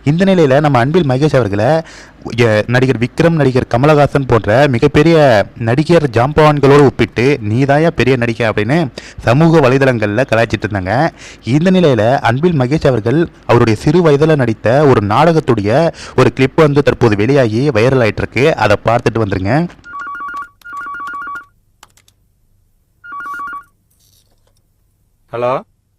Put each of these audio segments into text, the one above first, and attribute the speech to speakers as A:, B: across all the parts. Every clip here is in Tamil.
A: இந்த நிலையில் நம்ம அன்பில் மகேஷ் அவர்களை நடிகர் விக்ரம், நடிகர் கமலஹாசன் போன்ற மிகப்பெரிய நடிகர் ஜாம்பவான்களோடு ஒப்பிட்டு நீதாயா பெரிய நடிகை அப்படின்னு சமூக வலைதளங்களில் கலாய்ச்சிட்டு இருந்தாங்க. இந்த நிலையில் அன்பில் மகேஷ் அவர்கள் அவருடைய சிறு வயதில் நடித்த ஒரு நாடகத்துடைய ஒரு கிளிப் வந்து தற்போது வெளியாகி வைரல் ஆகிட்டு இருக்கு. அதை பார்த்துட்டு வந்துருங்க.
B: Hello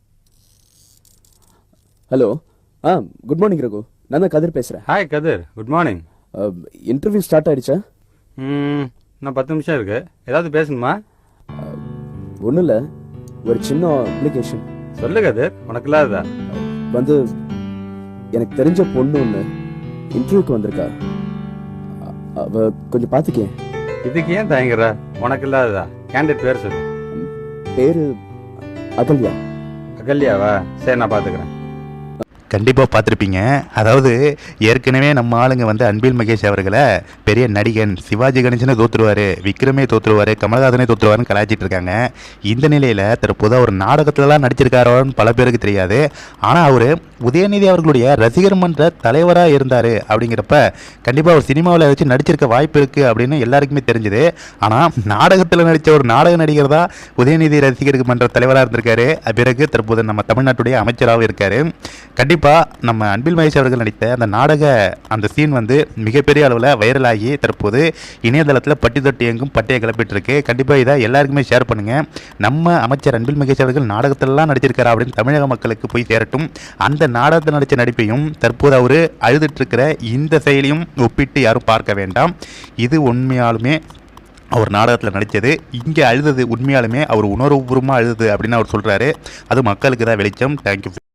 C: hello. Good morning Raghu. நான் தான் கதிர் பேசுகிறேன்.
B: Hi Kathir, good morning.
C: Interview start ஆயிடுச்சா?
B: இன்னும் 10 நிமிஷம் இருக்கு. ஏதாவது பேசணுமா?
C: ஒன்றும் இல்லை, ஒரு சின்ன அப்ளிகேஷன்.
B: சொல்லு கதிர், உனக்கு இல்லாததா?
C: வந்து எனக்கு தெரிஞ்ச பொண்ணு ஒன்று இன்டர்வியூக்கு வந்திருக்கா. அவ கொஞ்சம் பார்த்துக்கே.
B: இதுக்கு ஏன் தயங்குற? உனக்கு இல்லாததா? கேண்டிடேட் பேர் சொல்லு.
C: பேரு அகல்யா.
B: அகல்யாவா? சரி, நான் பார்த்துக்கிறேன்.
A: கண்டிப்பாக பார்த்துருப்பீங்க. அதாவது ஏற்கனவே நம்ம ஆளுங்க வந்து அன்பில் மகேஷ் அவர்களை பெரிய நடிகன், சிவாஜி கணேசனே தோற்றுருவார், விக்ரமே தோற்றுருவார், கமலஹாசனே தோற்றுருவாருன்னு கலாய்ச்சிட்டு இருக்காங்க. இந்த நிலையில் தற்போது அவர் நாடகத்திலலாம் நடிச்சிருக்காரோன்னு பல பேருக்கு தெரியாது. ஆனால் அவர் உதயநிதி அவர்களுடைய ரசிகர் மன்ற தலைவராக இருந்தார். அப்படிங்கிறப்ப கண்டிப்பாக அவர் சினிமாவில் வச்சு நடிச்சிருக்க வாய்ப்பு இருக்குது அப்படின்னு எல்லாருக்குமே தெரிஞ்சுது. ஆனால் நாடகத்தில் நடித்த ஒரு நாடக நடிகர் தான் உதயநிதி ரசிகர் மன்ற தலைவராக இருந்திருக்காரு. பிறகு தற்போது நம்ம தமிழ்நாட்டுடைய அமைச்சராகவும் இருக்கார். கண்டிப்பாக நம்ம அன்பில் மகேஷ் அவர்கள் நடித்த அந்த நாடக அந்த சீன் வந்து மிகப்பெரிய அளவில் வைரலாகி தற்போது இணையதளத்தில் பட்டி தொட்டி எங்கும் பட்டையை கிளப்பிட்டு இருக்கு. கண்டிப்பாக இதை எல்லாருக்குமே ஷேர் பண்ணுங்கள். நம்ம அமைச்சர் அன்பில் மகேஷ் அவர்கள் நாடகத்திலலாம் நடிச்சிருக்காரா அப்படின்னு தமிழக மக்களுக்கு போய் சேரட்டும். அந்த நாடகத்தில் நடித்த நடிப்பையும் தற்போது அவர் அழுதுட்டு இருக்கிற இந்த செயலையும் ஒப்பிட்டு யாரும் பார்க்க வேண்டாம். இது உண்மையாலுமே அவர் நாடகத்தில் நடித்தது, இங்கே அழுதது உண்மையாலுமே அவர் உணர்வுபூர்வமாக அழுது அப்படின்னு அவர் சொல்கிறாரு. அது மக்களுக்கு தான் வெளிச்சம். தேங்க்யூ.